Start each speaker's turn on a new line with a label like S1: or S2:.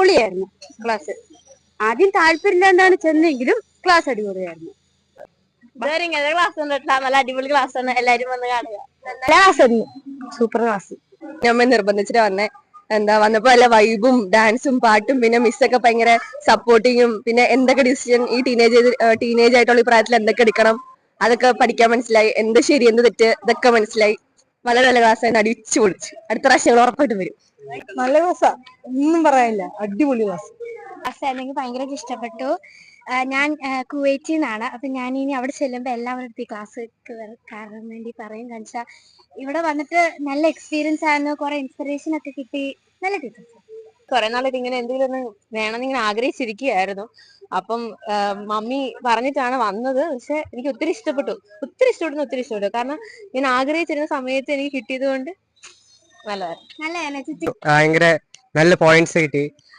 S1: അടിപൊളിയായിരുന്നു ക്ലാസ്. ആദ്യം താല്പര്യമില്ലാണ്ടാണ് ചെന്നെങ്കിലും ക്ലാസ് അടിപൊളിയായിരുന്നു.
S2: നല്ല അടിപൊളി ക്ലാസ് ആണ്, എല്ലാരും വന്ന് കാണുക.
S1: നല്ല ക്ലാസ് ആയിരുന്നു, സൂപ്പർ ക്ലാസ്.
S2: അമ്മ നിർബന്ധിച്ചിട്ട് വന്നേ. വന്നപ്പോ നല്ല വൈബും ഡാൻസും പാട്ടും, പിന്നെ മിസ്സൊക്കെ ഭയങ്കര സപ്പോർട്ടിങ്ങും, പിന്നെ എന്തൊക്കെ ഡിസിഷൻ ഈ ടീനേജ് ആയിട്ടുള്ള ഈ പ്രായത്തിൽ എന്തൊക്കെ എടുക്കണം അതൊക്കെ പഠിക്കാൻ മനസ്സിലായി. എന്ത് ശരി എന്ത് തെറ്റ് ഇതൊക്കെ മനസ്സിലായി. വളരെ നല്ല ക്ലാസ് ആയിരുന്നു, അടിച്ചു പൊളിച്ചു. അടുത്ത പ്രാവശ്യം ഞങ്ങൾ ഉറപ്പായിട്ടും വരും.
S1: നല്ല ക്ലാസ്സാ, ഒന്നും പറയാനില്ല, അടിപൊളി ക്ലാസ്.
S3: ക്ലാസ് എനിക്ക് ഭയങ്കരമായിട്ട് ഇഷ്ടപ്പെട്ടു. ഞാൻ കുവൈറ്റിൽ നിന്നാണ്. അപ്പൊ ഞാൻ ഇനി അവിടെ ചെല്ലുമ്പോൾ എല്ലാവരുടെ ക്ലാസ് കയറാൻ വേണ്ടി പറയും. കാണിച്ചാൽ ഇവിടെ വന്നിട്ട് നല്ല എക്സ്പീരിയൻസ് ആയിരുന്നു, കുറെ ഇൻസ്പിറേഷൻ ഒക്കെ കിട്ടി. നല്ല ടീച്ചേഴ്സ്.
S2: കുറെ നാളായിട്ട് ഇങ്ങനെ എന്തെങ്കിലും ഒന്ന് വേണമെന്ന് ഇങ്ങനെ ആഗ്രഹിച്ചിരിക്കുകയായിരുന്നു. അപ്പം മമ്മി പറഞ്ഞിട്ടാണ് വന്നത്. പക്ഷെ എനിക്ക് ഒത്തിരി ഇഷ്ടപ്പെട്ടു. കാരണം ഞാൻ ആഗ്രഹിച്ചിരുന്ന സമയത്ത് എനിക്ക് കിട്ടിയത് കൊണ്ട് നല്ലതായിരുന്നു.
S3: നല്ല
S4: ഭയങ്കര നല്ല പോയിന്റ്സ് കിട്ടി.